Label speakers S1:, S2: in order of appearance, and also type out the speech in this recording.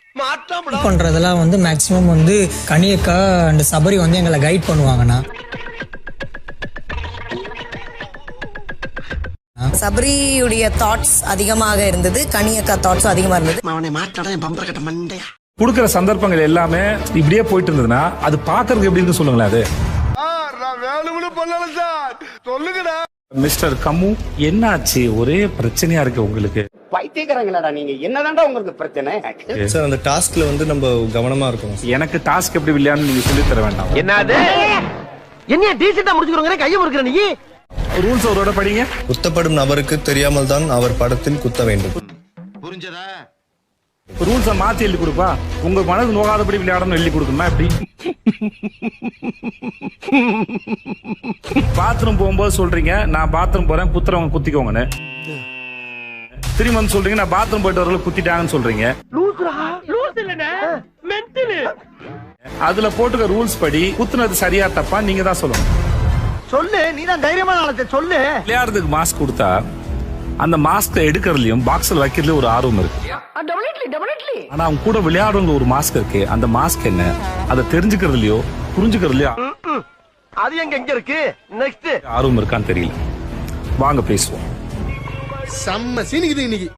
S1: பண்றதெல்லாம் வந்து மேக்சிமம் வந்து கனியக்கா அண்ட் சபரி வந்து எங்களை கைட் பண்ணுவாங்கண்ணா.
S2: சபரியுடைய தாட்ஸ் அதிகமாக இருந்தது, கனியக்கா தாட்ஸ் அதிகமா இருந்தது.
S3: கொடுக்கிற சந்தர்ப்பங்கள் எல்லாமே இப்படியே போயிட்டு இருந்ததுன்னா அது பாக்குறதுக்கு எப்படி இருக்கு சொல்லுங்களேன். அது மிஸ்டர் கம்மு என்னாச்சு, ஒரே பிரச்சனையா இருக்கு உங்களுக்கு?
S4: பைத்தியக்காரங்களாடா நீங்க, என்னதான்டா உங்களுக்கு பிரச்சனை?
S5: சார் அந்த டாஸ்க்ல வந்து நம்ம கவனமா இருக்கணும்.
S3: எனக்கு டாஸ்க் எப்படி விளையாடணும் நீங்க சொல்லி தர வேண்டாம்.
S4: என்னது என்ன டீசெண்டா முடிச்சுக்கிறோங்க, கையை முறுக்குற நீ.
S3: ரூல்ஸ் அவரோட படிங்க.
S5: குத்தப்படும் நபருக்கு தெரியாமல் தான் அவர் படத்தில் குத்த வேண்டும்.
S4: புரிஞ்சதா?
S3: ரூல்ஸை மாத்தி எழுதி கொடுப்பா. உங்க மனது நோகாதபடி விளையாடணும் எழுதி கொடுக்கணுமா எப்படி? பாத்ரூம் போகும்போது சொல்றீங்க நான் பாத்ரூம் போறேன் குத்துறவங்க குத்திக்கோங்கன்னு, திரும்பி வந்து சொல்றீங்க நான் பாத்ரூம் போயிட்டு வரல குத்திட்டாங்கன்னு சொல்றீங்க. அதுல போட்டுக்க ரூல்ஸ் படி குத்துனது சரியா தப்பா நீங்க தான் சொல்லணும்.
S4: சொல்லு, நீ தான் தைரியமான ஆளத்தை சொல்லு.
S3: விளையாடுறதுக்கு மாஸ்க் கொடுத்தா அந்த மாஸ்க் எடுக்கிறதுலயும் பாக்ஸ்ல வைக்கிறதுலயும் ஒரு ஆர்வம் இருக்கு. ஆனா அவங்க கூட விளையாடுறவங்க ஒரு மாஸ்க் இருக்கு, அந்த மாஸ்க் என்ன அதை தெரிஞ்சுக்கிறதுலயோ புரிஞ்சுக்கிறதுலயோ
S4: அது எங்க இருக்கு நெக்ஸ்ட்
S3: ஆர்வம் இருக்கான்னு தெரியல. வாங்க பேசுவோம்.
S6: செம்ம சீனிக்குது இன்னைக்கு.